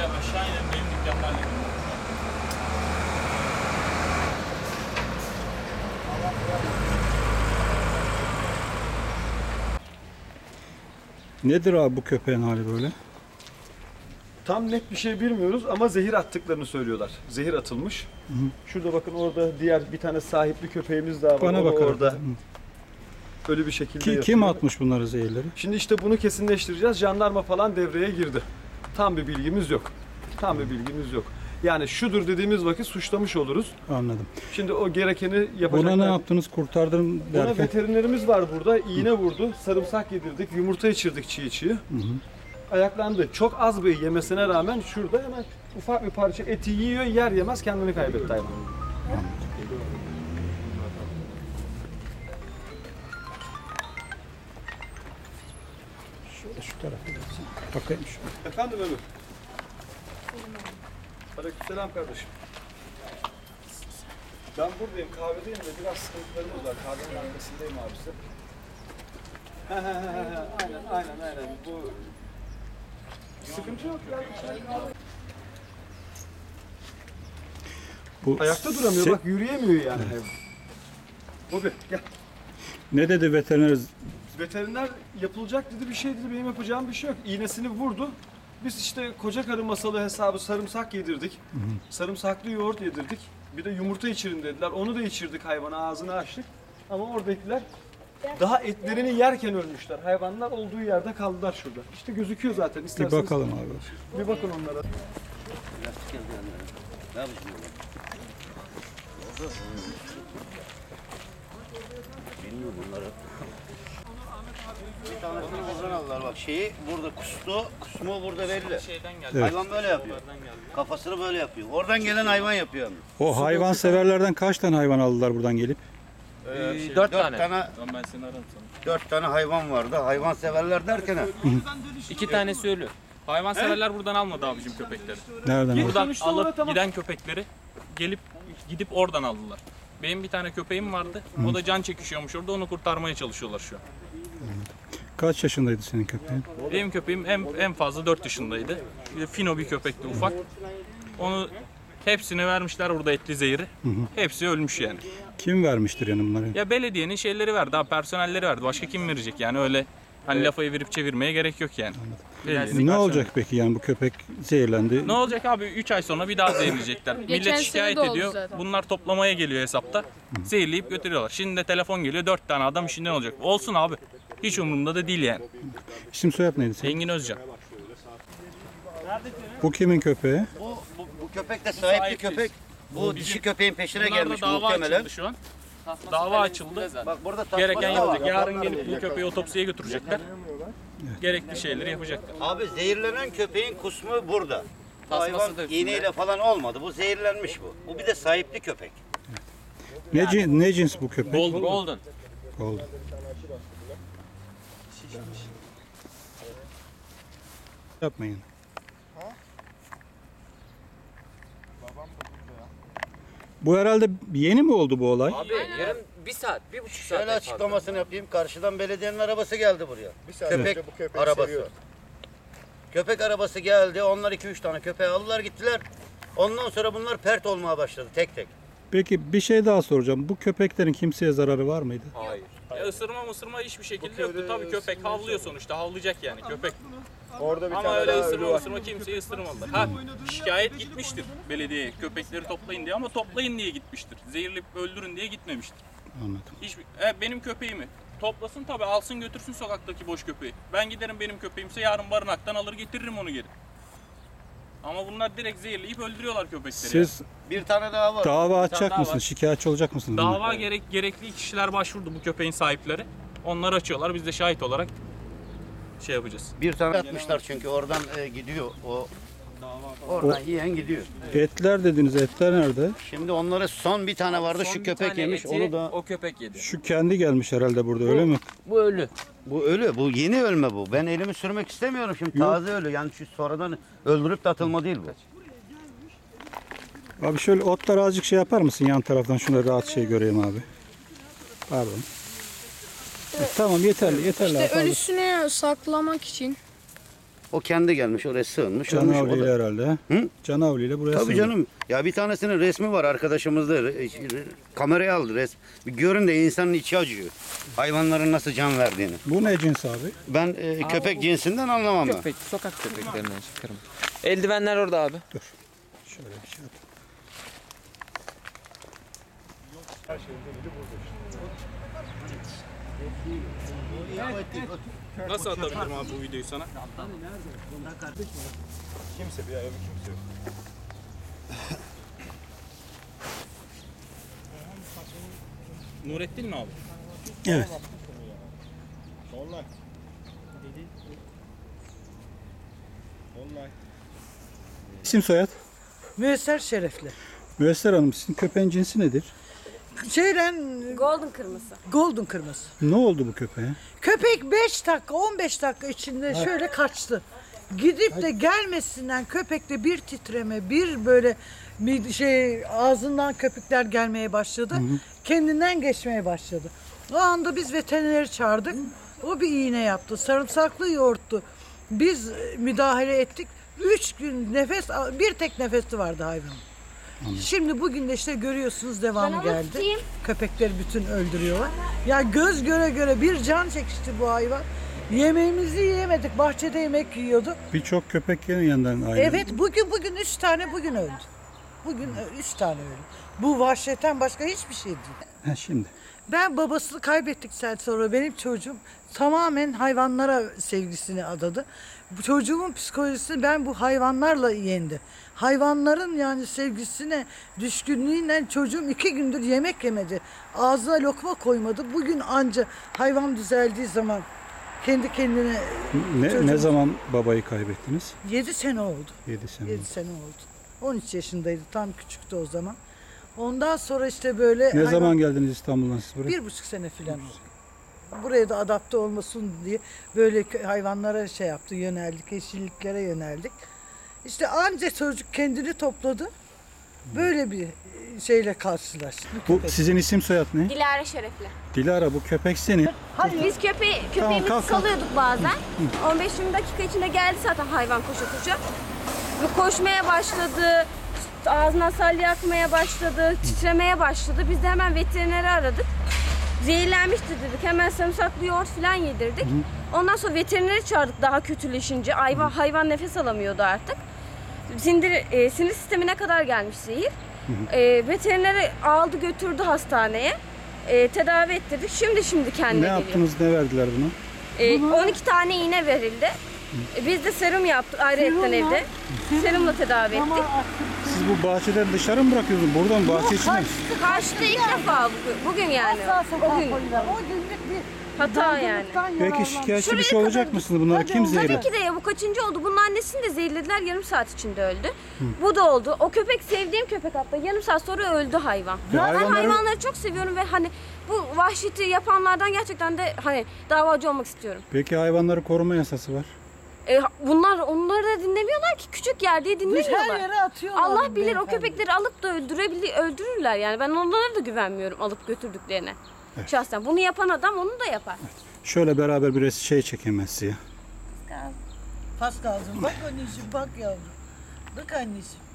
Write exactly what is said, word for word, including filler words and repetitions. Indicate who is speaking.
Speaker 1: aşağı inin benim dükkanlarla gidiyorum.
Speaker 2: Nedir abi bu köpeğin hali böyle?
Speaker 3: Tam net bir şey bilmiyoruz ama zehir attıklarını söylüyorlar. Zehir atılmış. Hı hı. Şurada bakın orada diğer bir tane sahipli köpeğimiz daha var.
Speaker 2: Bana
Speaker 3: O
Speaker 2: bakar.
Speaker 3: orada. Öyle bir şekilde
Speaker 2: Ki,
Speaker 3: yatıyor.
Speaker 2: kim atmış bunları zehirleri?
Speaker 3: Şimdi işte bunu kesinleştireceğiz. Jandarma falan devreye girdi. Tam bir bilgimiz yok. Tam bir bilgimiz yok. Yani şudur dediğimiz vakit suçlamış oluruz.
Speaker 2: Anladım.
Speaker 3: Şimdi o gerekeni yapacaklar.
Speaker 2: Buna ne yaptınız? Kurtardın
Speaker 3: Buna
Speaker 2: derken?
Speaker 3: veterinerimiz var burada. İğne vurdu. Sarımsak yedirdik. Yumurta içirdik çiğ çiğ. Hı hı. Ayaklandı. Çok az bir yemesine rağmen şurada hemen ufak bir parça eti yiyor. Yer yemez kendini kaybetti hayvan.
Speaker 2: Şöyle şu tarafa geçsin. Bakayım şu.
Speaker 3: Efendim Ömür. Aleykümselam kardeşim. Ben buradayım, kahvedeyim de biraz sıkıntılarımız var. Kahvenin arkasındayım abisi. aynen, aynen, aynen. Bu sıkıntı yok ya.
Speaker 2: Bu
Speaker 3: Ayakta duramıyor,
Speaker 2: se-
Speaker 3: bak yürüyemiyor yani. Bobi gel.
Speaker 2: Ne dedi veteriner?
Speaker 3: Veteriner yapılacak dedi, bir şey dedi, benim yapacağım bir şey yok. İğnesini vurdu. Biz işte koca karı masalı hesabı sarımsak yedirdik. Hı hı. Sarımsaklı yoğurt yedirdik. Bir de yumurta içirin dediler. Onu da içirdik hayvana, ağzını açtık. Ama oradakiler daha etlerini yerken ölmüşler. Hayvanlar olduğu yerde kaldılar şurada. İşte gözüküyor zaten.
Speaker 2: Bir
Speaker 3: İsterseniz
Speaker 2: bakalım abi.
Speaker 3: bir bakın onlara.
Speaker 4: Bilmiyorum bunları. Bir tanesini buradan aldılar bak şeyi burada kustu, kusmu burada belli.
Speaker 1: Şeyden geldi.
Speaker 2: Evet.
Speaker 4: Hayvan böyle yapıyor. Kafasını böyle yapıyor. Oradan gelen hayvan yapıyor.
Speaker 2: O hayvan severlerden kaç tane hayvan aldılar buradan gelip?
Speaker 4: Ee,
Speaker 1: dört
Speaker 4: dört
Speaker 1: tane.
Speaker 4: tane.
Speaker 1: Tamam ben seni ararım sana.
Speaker 4: Dört tane hayvan vardı. Hayvan severler derken ha.
Speaker 1: İki tanesi ölü. Hayvanseverler buradan almadı abicim köpekleri.
Speaker 2: Nereden? aldın?
Speaker 1: Buradan
Speaker 3: Sonuçta
Speaker 1: alıp
Speaker 3: orada tamam.
Speaker 1: giden köpekleri gelip gidip oradan aldılar. Benim bir tane köpeğim vardı. O da can çekişiyormuş orada. Onu kurtarmaya çalışıyorlar şu an.
Speaker 2: Kaç yaşındaydı senin köpeğin?
Speaker 1: Benim köpeğim en, en fazla dört yaşındaydı. Bir de fino bir köpekti ufak. Onu hepsini vermişler burada etli zehri. Hepsi ölmüş yani.
Speaker 2: Kim vermiştir yani bunları?
Speaker 1: Ya belediyenin şeyleri verdi, daha personelleri verdi. Başka kim verecek yani öyle hani lafa evirip çevirmeye gerek yok yani. Belediyenin
Speaker 2: Ne
Speaker 1: personeli.
Speaker 2: olacak peki yani bu köpek zehirlendi?
Speaker 1: Ne olacak abi? üç ay sonra bir daha zehirleyecekler. Millet
Speaker 5: sene
Speaker 1: şikayet
Speaker 5: de oldu
Speaker 1: ediyor.
Speaker 5: zaten.
Speaker 1: Bunlar toplamaya geliyor hesapta. Zehirleyip götürüyorlar. Şimdi de telefon geliyor. dört tane adam işinden olacak. Olsun abi. Hiç umurumda da değil yani.
Speaker 2: İsim soyad neydi senin?
Speaker 1: Engin Özcan.
Speaker 2: Bu kimin köpeği?
Speaker 4: Bu, bu, bu köpek de sahipli
Speaker 1: sahipsiz.
Speaker 4: köpek. Bu dişi köpeğin peşine
Speaker 1: Bunlarda
Speaker 4: gelmiş
Speaker 1: dava
Speaker 4: muhtemelen.
Speaker 1: açıldı şu an. Dava açıldı.
Speaker 4: Bak burada tasması
Speaker 1: Gereken
Speaker 4: da var.
Speaker 1: yapacak. Yarın gelip bu köpeği otopsiye götürecekler. Gerekli şeyleri yapacaklar.
Speaker 4: Abi zehirlenen köpeğin kusmu burada. Bu
Speaker 1: Tasması
Speaker 4: hayvan
Speaker 1: da üstünde.
Speaker 4: iğneyle falan olmadı. Bu zehirlenmiş bu. Bu bir de sahipli köpek.
Speaker 2: Ne, cin- ne cins bu köpek?
Speaker 1: Golden. Golden.
Speaker 2: Oldu. Yapmayın. Bu herhalde yeni mi oldu bu olay?
Speaker 6: Abi yarım bir saat, bir buçuk saat.
Speaker 4: Şöyle açıklamasını yapayım. Karşıdan belediyenin arabası geldi buraya. Köpek arabası. Köpek arabası geldi. Onlar iki üç tane köpeği aldılar gittiler. Ondan sonra bunlar pert olmaya başladı tek tek.
Speaker 2: Peki bir şey daha soracağım. Bu köpeklerin kimseye zararı var mıydı?
Speaker 6: Hayır.
Speaker 1: Ya ısırma mısırma hiçbir şekilde yoktu. Tabii köpek havlıyor sonuçta. Havlayacak yani köpek.
Speaker 3: Orada bir
Speaker 1: Ama öyle ısırma ısırma kimseyi ısırmadılar. Ha şikayet gitmiştir belediyeye köpekleri toplayın diye ama toplayın diye gitmiştir. Zehirleyip öldürün diye gitmemiştir.
Speaker 2: Anladım.
Speaker 1: Hiçbir, e, benim köpeğimi toplasın tabii alsın götürsün sokaktaki boş köpeği. Ben giderim benim köpeğimse yarın barınaktan alır getiririm onu geri. Ama bunlar direkt zehirleyip öldürüyorlar köpekleri.
Speaker 2: Siz
Speaker 4: Bir tane daha var.
Speaker 2: dava
Speaker 1: daha
Speaker 2: açacak
Speaker 1: var.
Speaker 2: mısınız? Şikayetçi olacak mısınız?
Speaker 1: Dava gerek gerekli kişiler başvurdu bu köpeğin sahipleri. Onlar açıyorlar biz de şahit olarak şey yapacağız.
Speaker 4: Bir tane atmışlar çünkü oradan e, gidiyor o. Oradan yiyen gidiyor.
Speaker 2: Etler dediniz. Etler nerede?
Speaker 4: Şimdi onlara son bir tane vardı
Speaker 6: Son
Speaker 4: şu
Speaker 6: bir
Speaker 4: köpek
Speaker 6: tane
Speaker 4: yemiş
Speaker 6: eti
Speaker 4: onu da.
Speaker 6: o köpek yedi.
Speaker 2: Şu kendi gelmiş herhalde burada öyle mi?
Speaker 6: Bu ölü.
Speaker 4: Bu ölü bu yeni ölme bu. Ben elimi sürmek istemiyorum şimdi
Speaker 2: Yok.
Speaker 4: taze ölü yani şu sonradan öldürüp de atılma değil bu.
Speaker 2: Abi şöyle otları azıcık şey yapar mısın yan taraftan? Şuna rahat şey göreyim abi. Pardon. E, tamam yeterli yeterli.
Speaker 5: İşte
Speaker 2: abi, pardon.
Speaker 5: ölüsünü saklamak için.
Speaker 4: O kendi gelmiş oraya sığınmış. ölmüş. O
Speaker 2: Canavli
Speaker 4: da-
Speaker 2: ile herhalde.
Speaker 4: Hı?
Speaker 2: Canavli ile buraya
Speaker 4: Tabii
Speaker 2: sığındı.
Speaker 4: canım. Ya bir tanesinin resmi var arkadaşımızda. Re- Kameraya aldı resmi. Bir görün de insanın içi acıyor. Hayvanların nasıl can verdiğini.
Speaker 2: Bu ne cins abi?
Speaker 4: Ben e, köpek cinsinden anlamam ben.
Speaker 6: Köpek, sokak köpeklerinden çıkarım. Eldivenler orada abi.
Speaker 2: Şöyle bir şey yap.
Speaker 1: Nasıl atabilirim abi bu videoyu sana?
Speaker 3: Kimse bir ayağı kimse yok.
Speaker 1: Nurettin mi abi?
Speaker 2: Evet. İsim soyad?
Speaker 5: Müesser şerefli.
Speaker 2: Müesser Hanım sizin köpeğin cinsi nedir?
Speaker 5: Şeyden
Speaker 7: Golden kırmızı.
Speaker 5: golden kırmızı.
Speaker 2: Ne oldu bu köpeğe?
Speaker 5: Köpek beş dakika on beş dakika içinde şöyle kaçtı. Gidip de gelmesinden köpekte bir titreme, bir böyle bir şey ağzından köpükler gelmeye başladı. Kendinden geçmeye başladı. O anda biz veterineri çağırdık. O bir iğne yaptı. Sarımsaklı yoğurttu. Biz müdahale ettik. Üç gün nefes, bir tek nefesi vardı hayvanın. Şimdi bugün de işte görüyorsunuz devamı
Speaker 7: Ben onu
Speaker 5: geldi.
Speaker 7: tutayım.
Speaker 5: Köpekleri bütün öldürüyorlar. Ya göz göre göre bir can çekişti bu hayvan. Yemeğimizi yiyemedik. Bahçede yemek yiyorduk.
Speaker 2: Birçok köpek yerin yanından aynı.
Speaker 5: Evet bugün bugün üç tane bugün öldü. Bugün ö- üç tane öldü. Bu vahşetten başka hiçbir şey değil.
Speaker 2: Ha, şimdi.
Speaker 5: Ben babasını kaybettikten sonra benim çocuğum tamamen hayvanlara sevgisini adadı. Bu çocuğumun psikolojisini ben bu hayvanlarla yendi. Hayvanların yani sevgisine, düşkünlüğüyle çocuğum iki gündür yemek yemedi. Ağzına lokma koymadı. Bugün anca hayvan düzeldiği zaman kendi kendine
Speaker 2: Ne,
Speaker 5: Çocuğum-
Speaker 2: ne zaman babayı kaybettiniz?
Speaker 5: yedi sene oldu.
Speaker 2: yedi sene.
Speaker 5: yedi sene oldu. on üç yaşındaydı. Tam küçüktü o zaman. Ondan sonra işte böyle
Speaker 2: Ne
Speaker 5: hayvan-
Speaker 2: zaman geldiniz İstanbul'dan siz buraya?
Speaker 5: bir buçuk sene falan oldu. Buraya da adapte olmasın diye böyle kö- hayvanlara şey yaptı, yöneldik, yeşilliklere yöneldik. İşte anca çocuk kendini topladı. Böyle bir şeyle karşılaştık.
Speaker 2: Bu
Speaker 5: köpek.
Speaker 2: sizin isim soyad ne?
Speaker 7: Dilara şerefli.
Speaker 2: Dilara bu köpek senin.
Speaker 7: Biz köpeği, köpeğimizi
Speaker 2: kalk, kalk.
Speaker 7: salıyorduk bazen. on beş yirmi dakika içinde geldi zaten hayvan koşa koşa. Ve koşmaya başladı. Ağzına salya akmaya başladı. Titremeye başladı. Biz de hemen veterineri aradık. Zehirlenmişti dedik. Hemen sarımsaklı yoğurt falan yedirdik. Ondan sonra veterineri çağırdık daha kötüleşince. Hayvan, hayvan nefes alamıyordu artık. Sindir, e, sinir sistemine kadar gelmiş zehir. E, veterineri aldı götürdü hastaneye. E, tedavi ettirdik. Şimdi şimdi kendine
Speaker 2: Ne
Speaker 7: geliyor.
Speaker 2: yaptınız, ne verdiler buna?
Speaker 7: E, on iki tane iğne verildi. E, biz de serum yaptık ayrıyetten evde. Serumla tedavi ettik.
Speaker 2: Siz bu bahçeden dışarı mı bırakıyorsunuz? Buradan bahçe içine mi?
Speaker 7: Kaçtı ilk defa bugün, bugün yani.
Speaker 5: Asla sokağa
Speaker 7: O gün
Speaker 5: koyular. O günlük bir
Speaker 7: hata yani.
Speaker 5: dargınlıktan
Speaker 2: Peki
Speaker 5: yararlandı.
Speaker 2: şikayetçi bir
Speaker 7: Şuraya
Speaker 2: şey olacak
Speaker 7: kadar
Speaker 2: mısınız? Bunları
Speaker 5: Hadi
Speaker 2: kim
Speaker 5: oğlum,
Speaker 2: zehirledi?
Speaker 7: Tabii ki de ya bu kaçıncı oldu? Bunun annesini de zehirlediler yarım saat içinde öldü. Bu da oldu. O köpek sevdiğim köpek hatta yarım saat sonra öldü hayvan.
Speaker 2: Ya
Speaker 7: Ben
Speaker 2: hayvanları-
Speaker 7: hayvanları çok seviyorum ve hani bu vahşeti yapanlardan gerçekten de hani davacı olmak istiyorum.
Speaker 2: Peki hayvanları koruma yasası var.
Speaker 7: E, bunlar onları da dinlemiyorlar ki küçük yer diye
Speaker 5: Biz her
Speaker 7: dinlemiyorlar.
Speaker 5: yere atıyorlar.
Speaker 7: Allah bilir o
Speaker 5: beyefendi.
Speaker 7: köpekleri alıp da öldürebilir, öldürürler yani. Ben onlara da güvenmiyorum alıp götürdüklerine. Şahsen bunu yapan adam onu da yapar.
Speaker 2: Şöyle beraber bir res- şey çekemez size.
Speaker 5: Pas kalsın. Bak anneciğim bak yavrum. Bak anneciğim.